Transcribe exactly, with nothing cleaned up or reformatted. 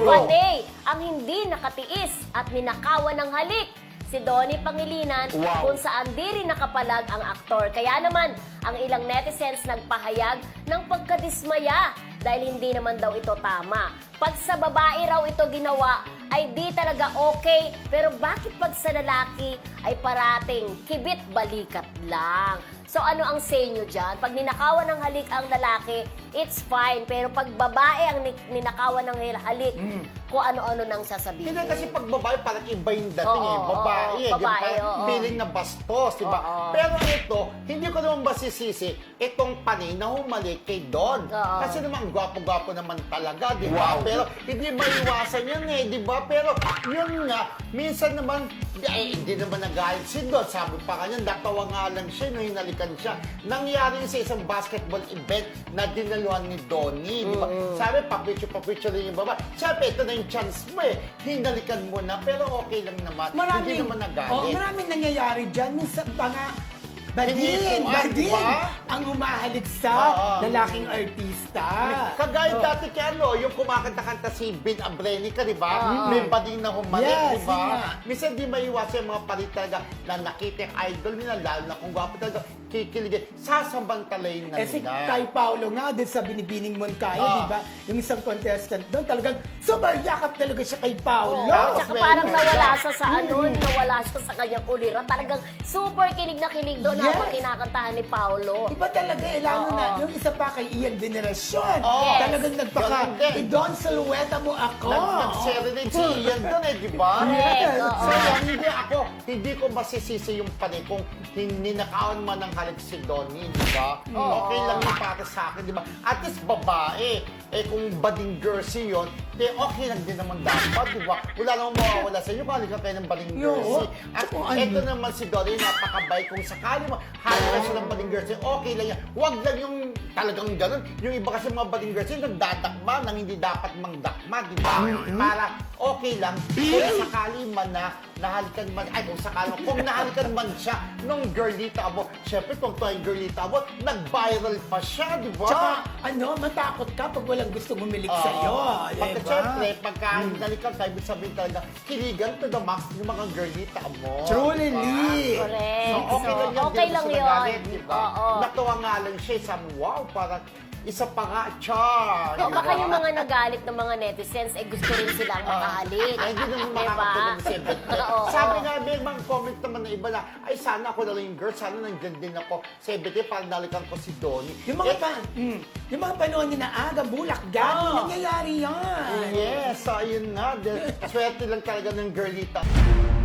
Panay ang hindi nakatiis at ninakawan ng halik si Donnie Pangilinan, Wow. kung saan di rin nakapalag ang aktor. Kaya naman, ang ilang netizens nagpahayag ng pagkadismaya dahil hindi naman daw ito tama. Pag sa babae raw ito ginawa, ay di talaga okay. Pero bakit pag sa lalaki ay parating kibit balikat lang? So ano ang say nyo dyan? Pag ninakawan ng halik ang lalaki, it's fine. Pero pag babae ang ni- ninakawan ng halik, Mm. kung ano-ano nang sasabihin. Hindi kasi pag babae, parang iba yung dating Oo, eh. Babae, oo, eh. Di ba? babae, Parang oo. feeling na bastos, di ba? Oo. Pero ito, hindi ko naman masisisi itong panay na humalik kay Don. Oo. Kasi naman, gwapo-gwapo naman talaga, di ba? Pero hindi maiwasan yun eh, di ba? Pero yun nga, minsan naman, eh, hindi naman nagalit si Don. Sabi pa kanya, natawa nga lang siya nung hinalikan siya. Nangyari yun sa isang basketball event na dinaluhan ni Donnie, di ba? Sabi, papicture-papicture rin yung baba. Sabi, ito na yung chance mo eh. Hinalikan mo na, pero okay lang naman. hindi naman nagalit. Oh, maraming nangyayari dyan. Minsan pa nga, badin, Hindi ito, ah, badin, diba? ang humahalik sa Oo. lalaking artista. Kagaya Oh. dati kay ano, yung kumakanta-kanta si Ben Abrenica, di ba? Oo. May bading na humalik, Yes, di ba? yun nga. Minsan di maiwasan yung mga palit talaga na nakita yung idol nila, lalo na kung gwapo talaga, kikiligin, sasabantalayin na Eh si nila. Tay Paolo nga din sa Binibining Moncaya, Ah. di ba? Yung isang contestant doon, talagang super yakap talaga siya kay Paolo. Oo, Tapos tsaka may- parang nawala siya sa ano, nawala siya sa kanyang ulira. Talagang super kilig na kilig doon Yes. habang kinakantahan ni Paolo. Iba talaga, eh, lalo Oo. na yung isa pa kay Ian Veneracion. Oo. Yes. Talagang nagpaka, Ganun din. idon silhouette mo ako. Nag- Nag-serenade si Ian doon eh, di ba? Correct, Yes. oo. So, yan, hindi ako, hindi ko masisisi yung panay kung ninakawan man ng halik si Donnie, di ba? Oo. Okay lang yung para sa akin, di ba? At least babae, eh kung bading jersey yun, eh okay lang din naman dapat, di ba? Wala namang mawawala sa inyo kung halika kayo ng bading Yo, jersey. At tsaka ano? eto naman si Donnie, napakabay kung sakali mo, halika siya ng bading jersey, okay lang yan. Huwag lang yung talagang ganun. Yung iba kasi mga bading jersey, nagdadakma nang hindi dapat mangdakma, di ba? Para okay lang kung sakali man na nahalikan man, ay kung sakali man, kung nahalikan man siya nung Girlita Abo, syempre kung ito ay Girlita Abo, nag-viral pa siya, di ba? Tsaka, ano, matakot ka pag walang gusto humilik Oo. sa'yo. Pagka Diba? syempre, pagka nalikan ka, ibig sabihin talaga, kiligan to the max yung mga Girlita Abo. Truly, di ba? Lee. Correct. So, okay lang yan. okay di lang gusto yun. nagalit, di ba? Oo. Natuwa nga lang siya, sabi, wow, parang isa pa nga, char. O di baka ba? yung mga nagalit ng mga netizens, eh gusto rin silang makahalik. Ay, hindi naman Diba? makakatulong si Ebet. Oo. Sabi nga, may mga comment naman na iba na, ay sana ako na lang yung girl, sana nandiyan din ako sa Ebet, parang nalikan ko si Donnie. Yung mga, Eh, pa, mm, yung mga panahon ni na aga, bulak, gani, Ah. nangyayari yan. Yes, so ayun nga. Swerte lang talaga ng girlita.